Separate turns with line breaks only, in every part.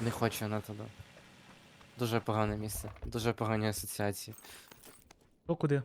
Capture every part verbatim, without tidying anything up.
Не хочу на туди. Дуже погане місце. Дуже погані асоціації.
То куди?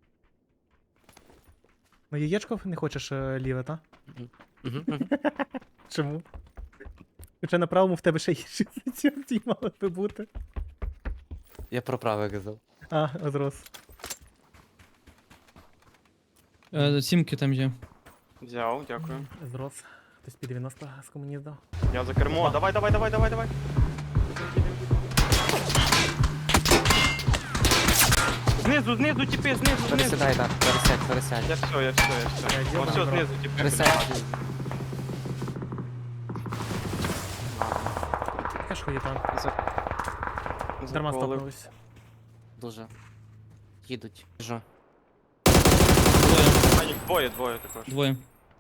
На яєчко не хочеш е, ліве, та?
Мгм. Мгм, мгм.
Чому? Хоча на правому в тебе ще інші асоціації мали би бути.
Я про праве казав.
А, зрос.
Е, Сімки там є.
Взяв, дякую.
Зрос. Хтось під дев'яносто з комуні здав.
Я за кермо. Давай, давай, давай, давай, давай. Знизу, знизу, тіпи, знизу, знизу.
Пересідай, так, пересядь, пересядь.
Я все, я все, я все.
Я
Ну
ділаю,
все,
бро.
знизу, тіпи.
Пересядь.
Яка ж хуєта?
За-
Дарма
заколив.
стопнулись.
Дуже. Їдуть. Біжу.
Двоє.
А, їх двоє, двоє також.
Двоє.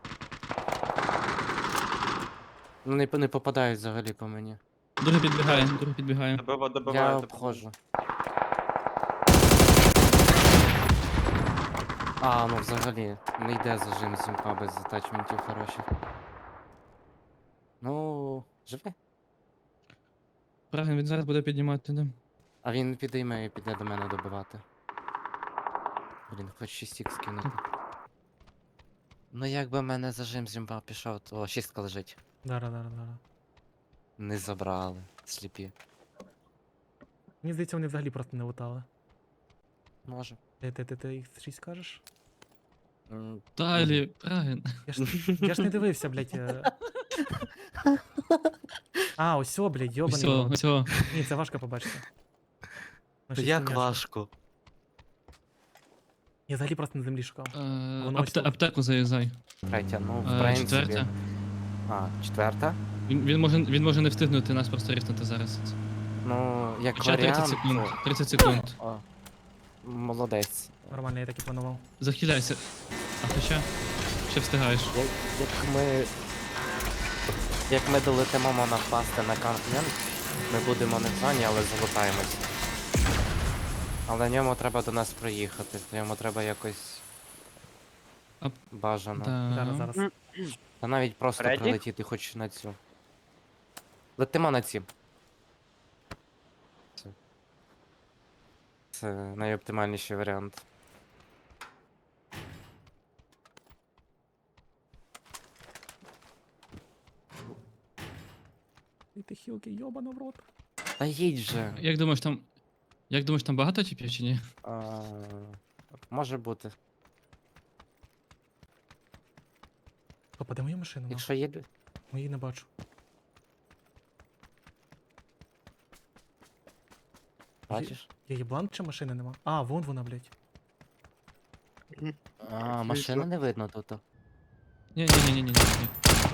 Ну не, не попадають взагалі по мені.
Другий підбігає, другий підбігає.
Добива, добиває.
Я
добиває.
обходжу. А, ну взагалі, не йде зажим зімка без затачментів хороших. Ну, живе.
Правильно, він зараз буде піднімати, да.
А він підійме і піде до мене добивати. Блін, хоч шість ікс скинути. Ну якби в мене зажим зімба пішов, то шістка лежить.
Дара, дара, дара.
Не забрали. Сліпі.
Мені здається, вони взагалі просто не лутали.
Може.
Ти, ти, ти, ти їх шість кажеш?
М,
Далі, правильно.
Я ж, я ж не дивився, блядь. е. А, ось о, блядь, йобаний.
Все,
рот.
все.
Ні, це важко побачити. На
Та
шість
як
м'ясо.
важко.
Я взагалі просто на землі шукав.
Е,
Воно ось
апте-
тут.
Аптеку заїздай.
Третя, ну в
Е,
принципі.
Четверта.
А, четверта?
Він, він, може, він може не встигнути нас просто ріснути зараз.
Ну, як
Хоча тридцять
варіант.
секунд. тридцять секунд.
О, молодець.
Нормально, я так і планував.
Захиляйся. А ти ще? Ще встигаєш.
Як, як ми. Як ми долетимо напасти на континент, ми будемо не в зоні, але залутаємось. Але ньому треба до нас проїхати, то йому треба якось
А-
бажано.
Зараз,
Да.
зараз.
Та навіть просто
Ready?
прилетіти хоч на цю. Летимо на ці. Це, Це найоптимальніший варіант.
І ти хілки, йобана в рот.
Та їдь же.
Як думаєш там. Як думаєш, там багато типів чи ні?
А, може бути.
Попаде мою машину, нахуй.
Якщо є. лю-
Мої не бачу.
Бачиш?
Я їблан чи машини нема? А, вон вона, блядь.
А, машини не видно тут.
Ні, ні, ні, ні, ні, ні.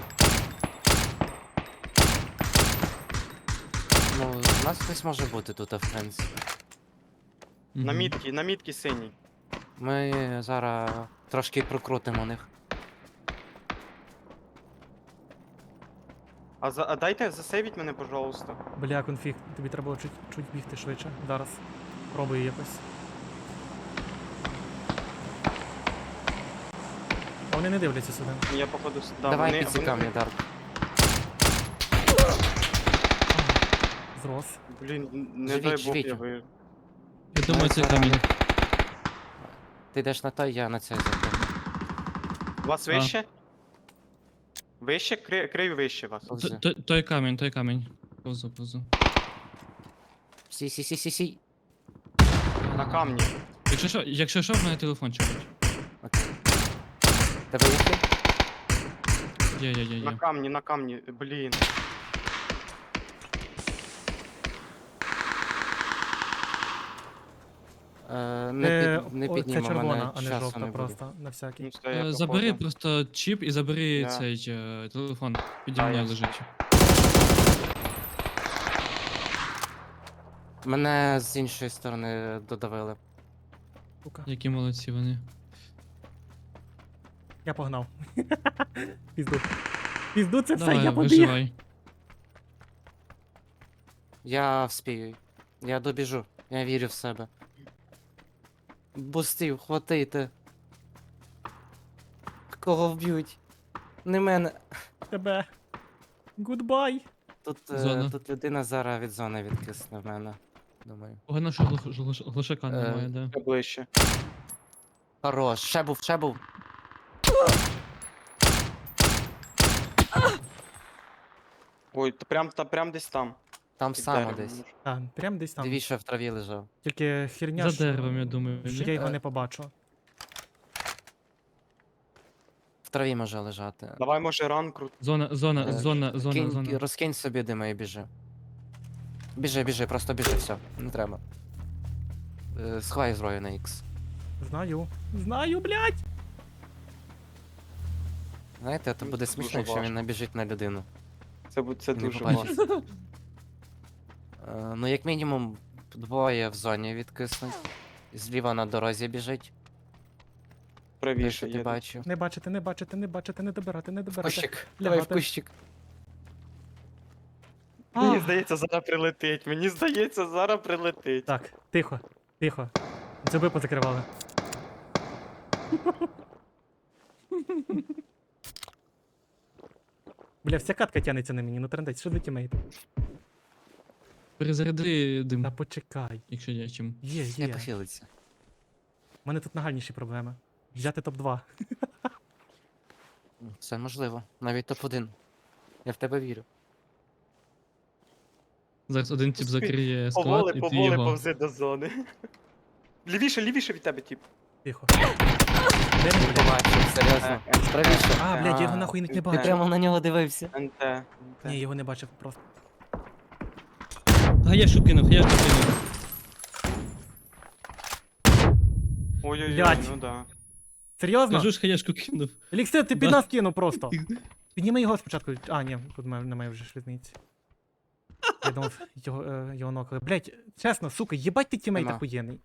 Ну, у нас хтось може бути тут, в принципі.
На
Мгм.
мітки, на мітки синій.
Ми зараз трошки прокрутимо них.
А, за, а дайте засейвіть мене, пожалуйста.
Бля, конфіг, тобі треба було чуть, чуть бігти швидше. Зараз. Пробую якось. А вони не дивляться сюди.
Я походу с- да,
Давай
вони,
підсікам,
вони...
мені, Дарк.
Зрос.
Блін, не
Живіть,
дай Бог
живіть.
я вижу.
Я думаю, це
зараз.
камінь.
Ти йдеш на той, я на цей запевню.
Вас
А.
вище? Вище? Кри, крию вище вас.
Т- т- Той камінь, той камінь. Повзу, повзу.
Сі, сі, сі, сі, сі.
На камні.
Якщо що, якщо що, в мене телефон чекать.
Окей. Тебе є хід?
Є, є, є,
На
є.
камні, на камні. Блін.
Е, не,
Е,
під, не
о, це
піднімо,
червона,
мене
а не
часу
жовта
не буде.
просто, на всякий.
Ну, все, я
Е, Забери
походу.
просто чіп і забери
Да.
цей е, телефон. Піді
Да,
мною
я-
лежить.
Мене з іншої сторони додавили.
Сука.
Які молодці вони.
Я погнав. Пізду. Пізду це все,
Давай,
я побіг.
виживай.
Я вспію. Я добіжу. Я вірю в себе. Бустів, хватайте. Кого вб'ють? Не мене.
Тебе. Гудбай.
Тут, е,
Зона.
тут людина зараз від зони відкисне в мене. Думаю.
Погано, що глуш- глуш- глушака
Е,
немає, да.
Ще ближче.
Хорош, ще був, ще був.
Ой, то прям, та, прям десь там.
Там
під
само
деревом,
десь.
може.
Так, прям десь там.
Дивіться, в траві лежав.
Тільки херня,
За
що-
деревом, я думаю.
що
ні?
я його
Е.
не побачу.
В траві може лежати.
Давай, може, ран крут.
Зона, зона,
Е,
зона, зона,
Кинь,
зона.
розкинь собі дима і біжи. Біжи, біжи, просто біжи, все, не треба. Е, Сховай зброю на Х.
Знаю. Знаю, блядь!
Знаєте, то
Ну,
буде
це
смішно,
дуже
якщо він
важко.
набіжить на людину.
Це, бу- це
Не
дуже
побачиш.
важко.
Е, Ну, як мінімум, двоє в зоні відкиснуть. Зліва на дорозі біжить. Те,
Правіше
що ти
є.
бачив.
Не бачите, не бачите, не бачите, не добирати, не добирати.
Кущик, давай в
Лягати.
кущик.
Мені
А!
здається, зараз прилетить. Мені здається, зараз прилетить.
Так, тихо, тихо. Зуби позакривали. Бля, вся катка тянеться на мені, ну трендець, що за тімейт?
Перезаряди дим,
Та почекай.
якщо є чим.
Є,
Не
є.
похилиться.
У мене тут нагальніші проблеми. Взяти топ два.
Все можливо. Навіть топ один. Я в тебе вірю.
Зараз один тип
Успій.
закриє склад,
Поволи,
і ти
поволи
його.
повзи до зони. Лівіше, лівіше від тебе, тип.
Тихо. Де він,
Не
блядь?
побачив, серйозно.
Е, е.
Правіше.
А, блядь, я його нахуй не
Ти
бачив.
прямо на нього дивився.
НТ.
Ні, його не бачив просто.
Гаєшу кинув, гаєшу кинув.
Ой-ой-ой,
Блядь.
ну да.
Серйозно?
Кажу ж, хаєшку кинув.
Еліксир, ти під
Да.
нас кинув просто. Підніми його спочатку. А, ні, тут має- немає вже шлізниці. Я думав, його, е, його нокали. Блять, чесно, сука, їбать ти тімейт
Нема.
охуєнний.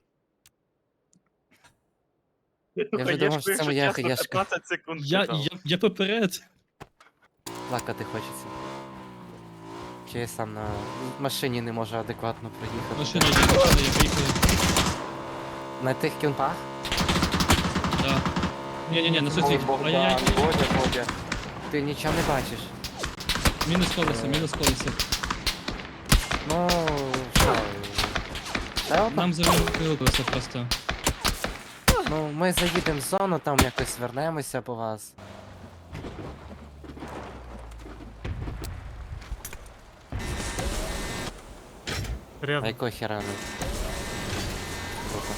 Я вже думав, що це моя хаєшка.
п'ятнадцять секунд.
Я,
чекав.
я, я поперед.
Плакати хочеться. Чи я сам на машині не можу адекватно проїхати.
Машина є, машина є, поїхали.
На тих кінпах?
Да. Ні-ні-ні, на
Ой,
суті.
Богдан,
Ай-яй,
Бодя, Бодя.
Ти нічого не бачиш.
мінус колесо, мінус колесо.
Ну, що? Ще одна?
Нам завели колесо просто.
Ну, ми заїдемо в зону, там якось вернемося по вас. А
Серйозно.
якого хера не? Круто.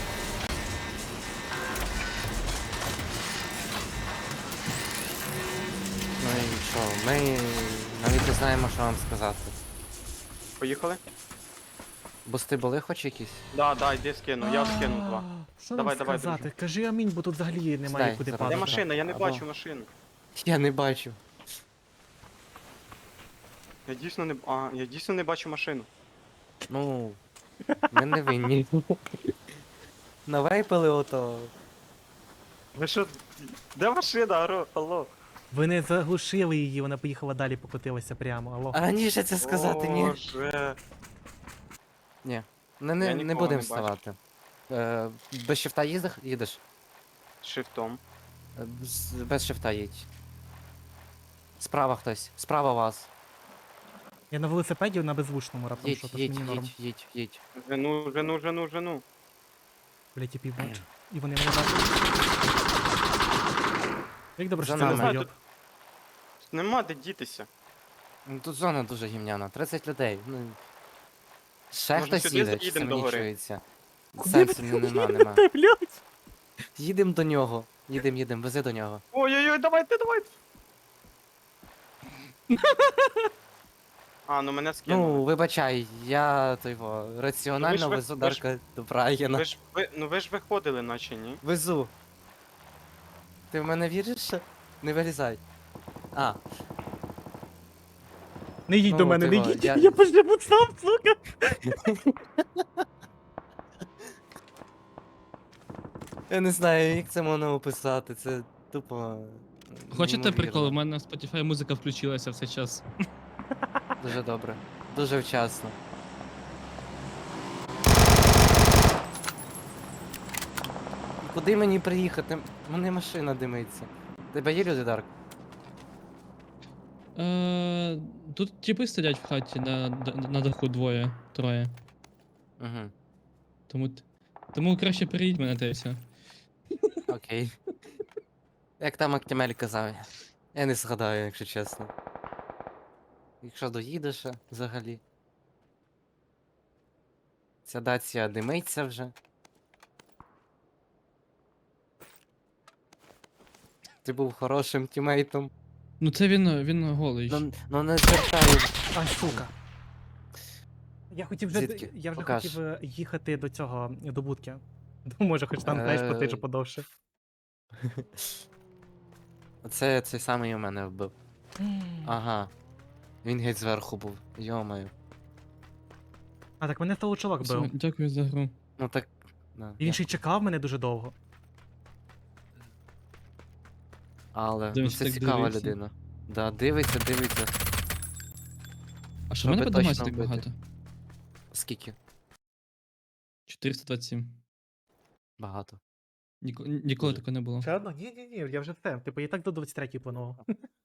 Ну і що, ми навіть не знаємо, що вам сказати.
Поїхали?
Бусти були хоч якісь?
Да, да, йди скину, я скину два.
А, Що
Давай,
нам
давай,
сказати? Кажи амінь, бо тут взагалі немає
Стай,
куди
зараз.
Де
падати.
машина? Я не
Або-
бачу машину.
Я не бачу.
Я дійсно не. А, я дійсно не бачу машину.
Ну, ми не винні. Навейпили ото.
Ви що? Де машина? Аро, алло.
Ви не заглушили її, вона поїхала далі, покотилася прямо. Алло.
А раніше це сказати ні.
Боже.
Ні. Не, не,
Я
не
нікого
будемо
не бачу.
вставати. Е, без шифта їздиш? їдеш?
Шифтом.
Е, з- Без шифта їдь. Справа хтось. Справа вас.
Я на велосипеді на беззвучному раптом,
Їдь,
що тут
їдь,
мені норм.
їдь, їдь, їдь.
Жену, жену, жену, жену.
Блять, я пів бачу. І вони мене бачать. Як добре, що
За
це не
нами.
знайоб.
Нема де дітися.
Ну, тут зона дуже гімняна. тридцять людей. Ну, ще
Може,
хтось
сюди
їде, чи
заїдемо до гори?
самонічується.
Куди
Сенсу
ви
ну, нема,
їдете,
нема.
блядь?
Їдемо до нього. Їдем, їдем, вези до нього.
Ой-ой-ой, давайте, давайте. А, ну мене скинули.
Ну, вибачай, я то його
Ну, ви
раціонально
ж ви-
везу
ви ж-
Дарка до Брайана.
Ви ж, ви, ну ви ж виходили, наче ні?
Везу. Ти в мене віриш ще? Не вилізай. А,
Не їдь
Ну,
до мене, не
типа,
їдь.
я-
Я поживу сам, сука.
я не знаю, як це можна описати, це тупо.
Хочете
неймовірно.
прикол? У мене в Spotify музика включилася в цей час.
Дуже добре. Дуже вчасно. Куди мені приїхати? У мене машина димиться. Тебе є люди, Дарк?
Е, Тут типи сидять в хаті на, д- на даху двоє, троє.
Угу.
Тому, т- тому краще переїдь мене та й все.
Окей. Як там Актімель казав, я не згадаю, якщо чесно. Якщо доїдеш ще взагалі. Ця дація димиться вже. Ти був хорошим тімейтом.
Ну це він, він голий. ж.
Ну, ну не звертаю.
Ай, сука. Я хотів вже,
Звідки?
я вже
Покаж.
хотів е, їхати до цього, до будки. Ну, може, хоч там, знаєш,
Е.
потиджу подовше.
Оце цей самий у мене вбив. Ага. Він геть зверху був. Йомаю.
А, так мене того чувак
Все,
бив.
дякую за гру.
Ну так. Да,
І він ще й чекав мене дуже довго.
Але ну,
Дивись,
це
так
цікава
дивиться.
людина. Да, дивиться, дивиться.
А що в мене
Щоб
по дамазі
точно
так
вбити.
багато?
Скільки?
чотириста двадцять сім.
Багато.
Ніко- Ніколи
Дуже.
такого не було.
Ще одно? Ні, ні, ні, я вже все. Типу, я і так до двадцять третьої планував.